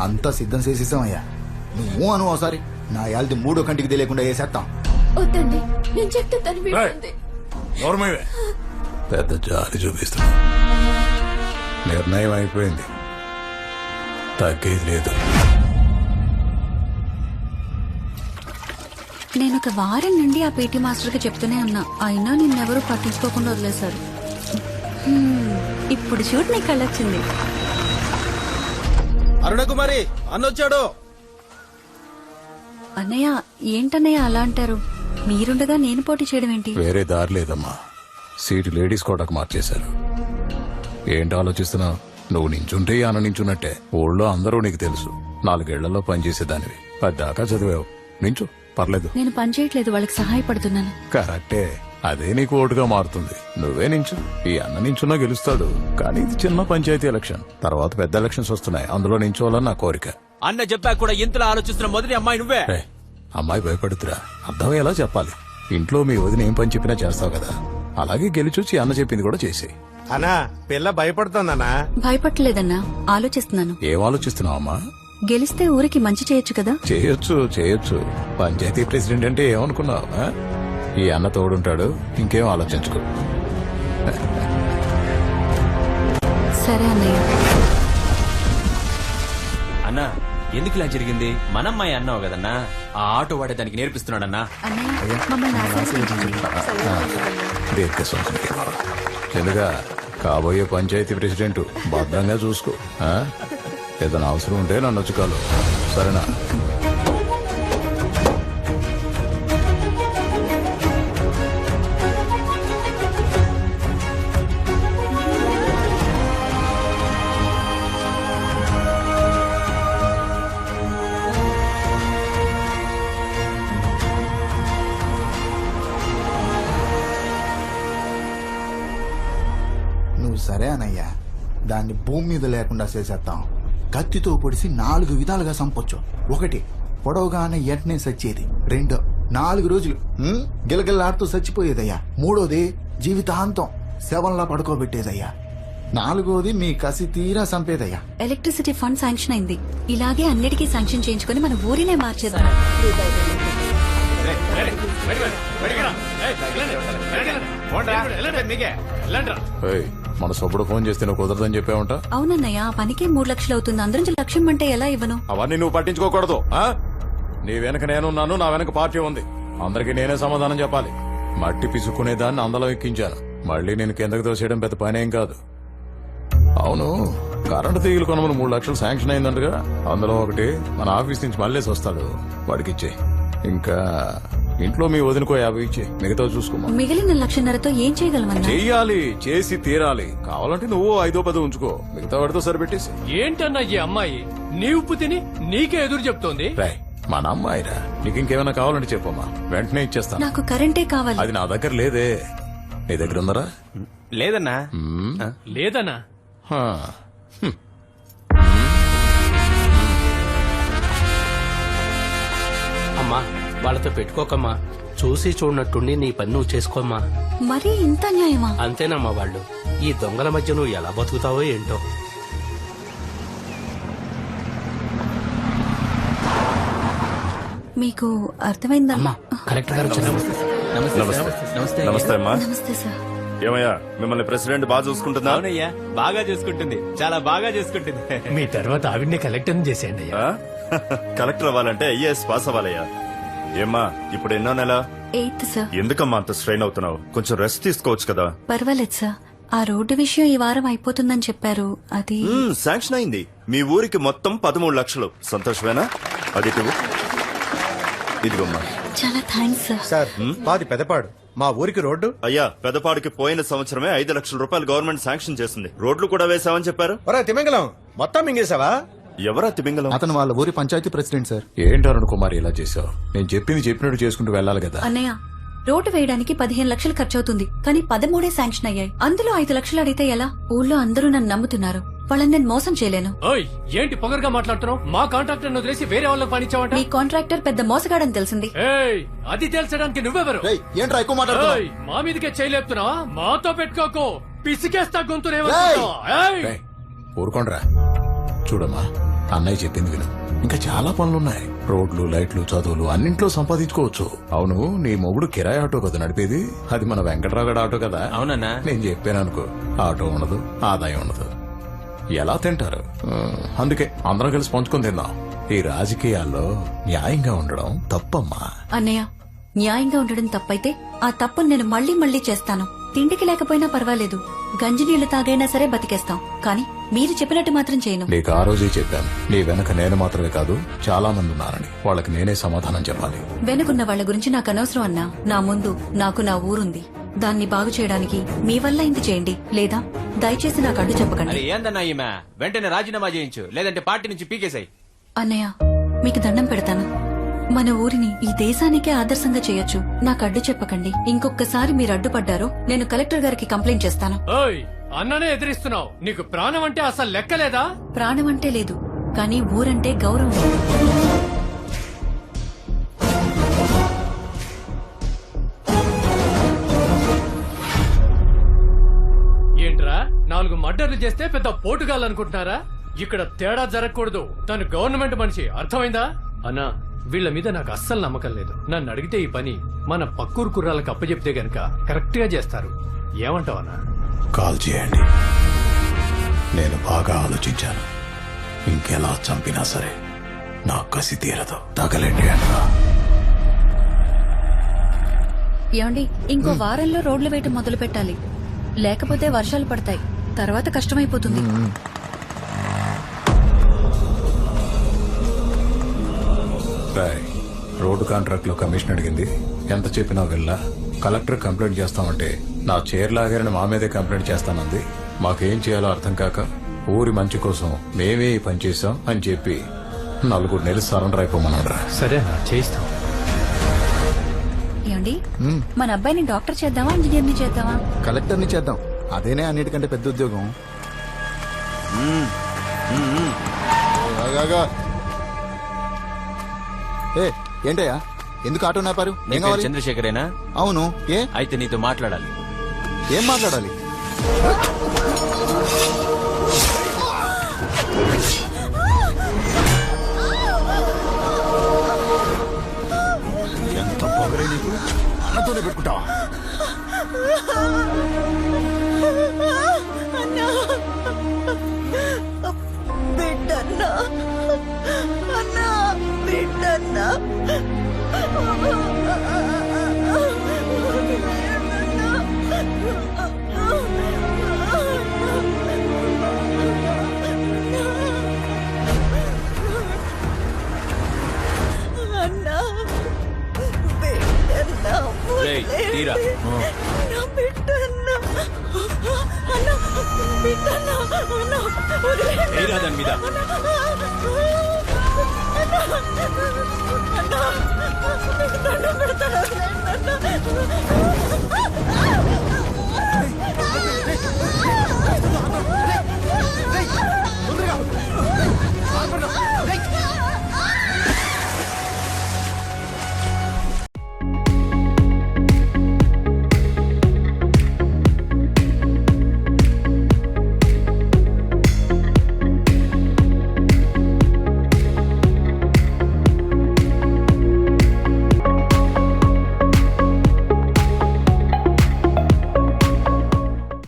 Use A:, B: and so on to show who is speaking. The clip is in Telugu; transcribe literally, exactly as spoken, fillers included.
A: అంతా సిద్ధం చేసేసామయ్యా. నువ్వు అను ఒకసారి నా యాల్ది మూడో కంటికి తెలియకుండా వేసేస్తాం.
B: వద్దండి, నేను చెప్తే తను వింటుంది.
C: పెద్ద జాలి చూపిస్తున్నా. నిర్ణయం అయిపోయింది, తగ్గేది లేదు.
D: నేను ఒక వారం నుండి ఆ పీటీ మాస్టర్ కి చెప్తూనే ఉన్నా, అయినా నిన్నెవరూ పట్టించుకోకుండా వదిలేశారు. హ్మ్, ఇప్పుడు చూడు నీ కళ్ళొచ్చింది.
E: అరుణకుమారి అన్నొచ్చాడు.
D: అన్నయ్య ఏంటన్నయ్య అలా అంటారు? మీరుండగా నేను పోటీ చేయడం ఏంటి?
C: వేరే దారి లేదమ్మా. సీటు లేడీస్ కోటకు మార్చేశారు. ఏంటి ఆలోచిస్తున్నావు? నువ్వు నించుంటే అన్న నించున్నట్టే. ఊళ్ళో అందరూ నీకు తెలుసు. నాలుగేళ్లలో పనిచేసేదానివి, పద్దాకా చదివావు. నించు, పర్లేదు.
D: నేను పని చేయట్లేదు, వాళ్ళకి సహాయపడుతున్నాను.
C: కరెక్టే, అదే నీకు ఓటుగా మారుతుంది. నువ్వే నించు. ఈ అన్న నించున్నా గెలుస్తాడు. కానీ ఇది చిన్న పంచాయతీ ఎలక్షన్, తర్వాత పెద్ద ఎలక్షన్స్ వస్తున్నాయి. అందులో నించోవాలని నా కోరిక.
E: అన్న చెప్పా కూడా ఇంతలా ఆలోచిస్తున్న మొదటి అమ్మాయి నువ్వే.
C: అమ్మాయి భయపడుతురా, అర్థమయ్యేలా చెప్పాలి. ఇంట్లో మీ వదిన ఏం పని చెప్పినా చేస్తావు కదా, అలాగే గెలిచొచ్చి అన్న చెప్పింది కూడా చేసి.
F: అన్నా పిల్ల భయపడుతుందన్నా.
D: భయపడలేదన్నా, ఆలోచిస్తున్నాను.
C: ఏం ఆలోచిస్తున్నావు అమ్మా?
D: గెలిస్తే ఊరికి మంచి చేయొచ్చు కదా.
C: చేయొచ్చు చేయొచ్చు పంచాయతీ ప్రెసిడెంట్ అంటే ఏమనుకున్నావు? ఆ? ఈ అన్న తోడుంటాడు, ఇంకేం ఆలోచించుకో.
D: సరే అన్నయ్య.
E: అన్నా ఎందుకు ఇలా జరిగింది? మనమ్మాయి అన్నావు కదన్నా, ఆ ఆటో వాడే దానికి నేర్పిస్తున్నాడన్నా.
D: అన్నయ్య మమ్మల్ని ఆశీర్వదించండి.
C: దీర్ఘ సంస్కృతి తెలుగా కాబోయే పంచాయతీ ప్రెసిడెంట్ భద్రంగా చూసుకో. ఆ? ఏదైనా అవసరం ఉంటే నన్ను వచ్చుకోలు, సరేనా?
A: నువ్వు సరే అనయ్యా, దాన్ని భూమి మీద లేకుండా చేసేస్తాం. కత్తితో పొడిసి నాలుగు విధాలుగా చంపొచ్చు. ఒకటి, పొడవుగానే ఎంటనే సచ్చేది. రెండో, నాలుగు రోజులు గిలగిల్లాడుతూ చచ్చిపోయేదయ్యా. మూడోది, జీవితాంతం శవంలా పడుకోబెట్టేదయ్యా. నాలుగోది, మీ కసి తీరా చంపేదయ్యా.
D: ఎలక్ట్రిసిటీ ఫండ్ శాంక్షన్ అయింది. ఇలాగే అన్నిటికీ శాంక్షన్ చేయించుకుని మన ఊరినే మార్చేద్దాం.
C: ఏయ్, మన సొప్పుడు ఫోన్ చేస్తే నువ్వు కుదరదని చెప్పావంట.
D: అవునన్నయ్య, ఆ పనికి మూడు లక్షలు అవుతుంది. అందరం లక్ష్యం అంటే ఎలా ఇవ్వను?
C: అవన్నీ నువ్వు పట్టించుకోకూడదు. ఆ? నీ వెనక నేనున్నాను, నా వెనక పార్టీ ఉంది. అందరికి నేనే సమాధానం చెప్పాలి. మట్టి పిసుక్కునే దాన్ని అందలం ఎక్కించాను. మళ్ళీ నేను కిందకి తోసేయడం పెద్ద పనేం కాదు. అవును, కరెంటు తీగలు కొనమని మూడు లక్షలు శాంక్షన్ అయిందంటగా. అందులో ఒకటి మన ఆఫీస్ నుంచి మళ్ళీ వస్తాడు, వాడికి ఇచ్చే. ఇంకా ఇంట్లో మీ వదినకో యాభై ఇచ్చే, మిగతా చూసుకోమా.
D: మిగిలిన లక్షన్నరతో ఏం చేయగలమన్నా?
C: చెయ్యాలి, చేసి తీరాలి. కావాలంటే నువ్వు ఐదో పదో ఉంచుకో, మిగతా వాడితో సరిపెట్టేసి.
G: ఏంటన్నా ఈ అమ్మాయి నీ ఉప్పు తిని నీకే ఎదురు చెప్తోంది?
C: రాయ్, మన అమ్మాయిరా, నీకు ఇంకేమైనా కావాలంటే చెప్పమ్మా, వెంటనే ఇచ్చేస్తాను.
D: నాకు కరెంటే కావాలి.
C: అది నా దగ్గర లేదే, నీ దగ్గర ఉందరా?
E: లేదన్నా.
G: లేదన్నా.
C: హా. హ్మ్.
H: అమ్మా వాళ్ళతో పెట్టుకోకమ్మా, చూసి చూడనట్టుండి నీ పని నువ్వు చేసుకోమ్మా.
D: మరీ ఇంత న్యాయమా?
H: అంతేనమ్మా, వాళ్ళు ఈ దొంగల మధ్య నువ్వు ఎలా బతుకుతావో ఏంటో.
D: మీకు అర్థమైందమ్మా?
H: కలెక్టర్ గారు
E: నమస్తే అమ్మా.
D: నమస్తే సార్.
I: ఏమయ్యా, మిమ్మల్ని ప్రెసిడెంట్ బాగా చూసుకుంటుందా?
E: అవునయ్యా, బాగా చూసుకుంటుంది, చాలా బాగా చూసుకుంటుంది.
G: మీ తర్వాత ఆవిడ్ని కలెక్టర్ చేసేయండి అయ్యా.
I: ఆ? కలెక్టర్ అవ్వాలంటే ఐఏఎస్ పాస్ అవ్వాలయ్యా. ఏమ్మా, ఇప్పుడు ఎన్నో నెల?
D: Eighth sir.
I: ఎందుకమ్మా అంత స్ట్రెయిన్ అవుతున్నావు? కొంచెం రెస్ట్ తీసుకోవచ్చు కదా.
D: పర్వాలేదు సార్, ఆ రోడ్డు విషయం ఈ వారం అయిపోతుందని చెప్పారు. అది
I: మ్మ్, శాంక్షన్ అయింది. మీ ఊరికి మొత్తం పదమూడు లక్షలు. సంతోషమేనా? అది ఇటు. ఇదిగోమ్మా.
D: చాలా థ్యాంక్స్ సార్.
F: సార్ మాది పెదపాడు, మా ఊరికి రోడ్డు.
I: అయ్యా, పెదపాడికి పోయిన సంవత్సరమే ఐదు లక్షల రూపాయలు గవర్నమెంట్ శాంక్షన్ చేసింది. రోడ్లు కూడా వేసామని చెప్పారు.
F: ఒరే తిమింగలం, మొత్తం మింగేశావా?
I: ఎవరా తిమింగలం?
A: అతను వాళ్ళ ఊరి పంచాయతీ ప్రెసిడెంట్ సార్.
C: ఏంటి అరుణ్ కుమార్ ఇలా చేసావు? నేను చెప్పింది చెప్పినట్టు చేసుకుంటూ వెళ్ళాలి కదా.
D: అన్నయ్య, రోడ్డు వేయడానికి పదిహేను లక్షలు ఖర్చు అవుతుంది, కానీ పదమూడే శాంక్షన్ అయ్యాయి. అందులో ఐదు లక్షలు అడిగితే ఎలా? ఊళ్ళో అందరూ నన్ను నమ్ముతున్నారు, వాళ్ళని నేను మోసం చేయలేను.
G: ఓయ్, ఏంటి పొగరుగా మాట్లాడుతున్నావు? మా కాంట్రాక్టర్ వదిలేసి వేరే వాళ్ళకి పనిచ్చావంట.
D: మీ కాంట్రాక్టర్ పెద్ద మోసగాడని తెలిసింది.
G: ఏయ్, అది తేల్చడానికి నువ్వెవరు?
A: రేయ్, ఏంట్రా ఎక్కువ మాట్లాడుతున్నావ్?
G: ఏయ్, మా మీదకే చేయలేపుతున్నావా? మాతో పెట్టుకోకు, పిసికేస్తా గొంతునేమో.
C: ఊరుకోండ్రా. చూడమ్మా, అన్నయ్య చెప్పింది విను ఇంకా చాలా పనులున్నాయి. రోడ్లు, లైట్లు, చదువులు అన్నింట్లో సంపాదించుకోవచ్చు. అవును, నీ మొగుడు కిరాయి ఆటో కదా నడిపేది? అది మన వెంకట్రావు గడ ఆటో కదా?
E: అవునన్నా.
C: నేను చెప్పాను అనుకో, ఆటో ఉండదు, ఆదాయం ఉండదు, ఎలా తింటారు? ఆ, అందుకే అందరం కలిసి పంచుకొని తిందాం. ఈ రాజకీయాల్లో న్యాయంగా ఉండడం తప్పమ్మా.
D: అన్నయ్య, న్యాయంగా ఉండడం తప్పైతే ఆ తప్పును నేను మళ్ళీ మళ్ళీ చేస్తాను. తిండికి లేకపోయినా పర్వాలేదు, గంజి నీళ్లు తాగైనా సరే బతికేస్తాం. కానీ మీరు చెప్పినట్టు మాత్రం చేయను.
C: నీకు ఆ రోజే చెప్పాను, నీ వెనక నేను మాత్రమే కాదు చాలా మంది ఉన్నారని. వాళ్ళకి నేనే సమాధానం చెప్పాలి.
D: వెనుకున్న వాళ్ళ గురించి నాకు అనవసరం అన్నా. నా ముందు నాకు నా ఊరుంది. దాన్ని బాగు చేయడానికి మీ వల్ల ఇంత చేయండి, లేదా దయచేసి నాకు అడ్డు చెప్పకండి.
E: అరే ఏందన్నా ఈమె, వెంటనే రాజీనామా చేయించు, లేదంటే పార్టీ నుంచి పీకేసాయి.
D: అన్నయ్య, మీకు దండం పెడతాను. మన ఊరిని ఈ దేశానికే ఆదర్శంగా చేయొచ్చు. నాకు అడ్డు చెప్పకండి. ఇంకొకసారి మీరు అడ్డుపడ్డారో నేను కలెక్టర్ గారికి కంప్లైంట్ చేస్తాను.
G: ఓయ్ అన్ననే ఎదిరిస్తున్నావు. నీకు ప్రాణం అంటే అసలు లెక్కలేదా?
D: ప్రాణం అంటే లేదు, కానీ ఊరంటే గౌరవం.
G: ఏంట్రా, నాలుగు మర్డర్లు చేస్తే పెద్ద పోటుగాలనుకుంటున్నారా? ఇక్కడ తేడా జరగకూడదు. తను గవర్నమెంట్ మనిషి, అర్థమైందా? అన్నా, వీళ్ళ మీద నాకు అస్సలు నమ్మకం లేదు. నన్ను అడిగితే ఈ పని మన పక్కూరు కుర్రాలకు అప్పచెప్తే గనక కరెక్ట్ గా చేస్తారు. ఏమంటావన్నా?
C: కాల్ చేయండి. నేను బాగా ఆలోచించాను. ఇంకెలా చంపినా సరే నా కసి తీరదు. తగలండి అన్నా.
D: ఏమండి, ఇంకో వారంలో రోడ్లు వేయటం మొదలు పెట్టాలి. లేకపోతే వర్షాలు పడతాయి, తర్వాత కష్టమైపోతుంది.
C: రాయ్, రోడ్డు కాంట్రాక్ట్ లో కమిషన్ అడిగింది. ఎంత చెప్పినా వెళ్ళా. కలెక్టర్ కంప్లైంట్ చేస్తామంటే నా చైర్ లాగారని మా మీదే కంప్లైంట్ చేస్తానంది. మాకేం చేయాలో అర్థం కాక ఊరి మంచి కోసం మేమే ఈ పని చేశాం అని చెప్పి నలుగురు నెలలు సరెండర్ అయిపోమన్నాడు.
G: సరే చేయిస్తాం.
D: ఏమండి, మన అబ్బాయిని డాక్టర్ చేద్దామా, ఇంజనీర్ని చేద్దామా?
A: కలెక్టర్ని చేద్దాం, అదేనే అన్నిటికంటే పెద్ద ఉద్యోగం. ఆగాగా. ఏ ఏంటయ్యా, ఎందుకు ఆటో నాపారు?
E: నీ
A: ఏం
E: పేరు
A: కావాలి?
E: చంద్రశేఖరేనా?
A: అవును. ఏ
E: అయితే నీతో మాట్లాడాలి.
A: ఏం మాట్లాడాలి? ఎంత పొగరే నీకు, అన్నతోనే పెట్టుకుంటావా?
B: బిడ్డన్నా, అన్నా, బిడ్డన్నా. అన్నా, బిడ్డన్నా,
E: రేయ్, తీరా.
B: అన్నా, బిడ్డన్నా. అన్నా, బిడ్డన్నా, అన్నా, వదిలేయ్.
E: తీరా దాని మీద.
B: అన్నా, నీకు దండం పెడతాను, వదిలేయ్ అన్నా.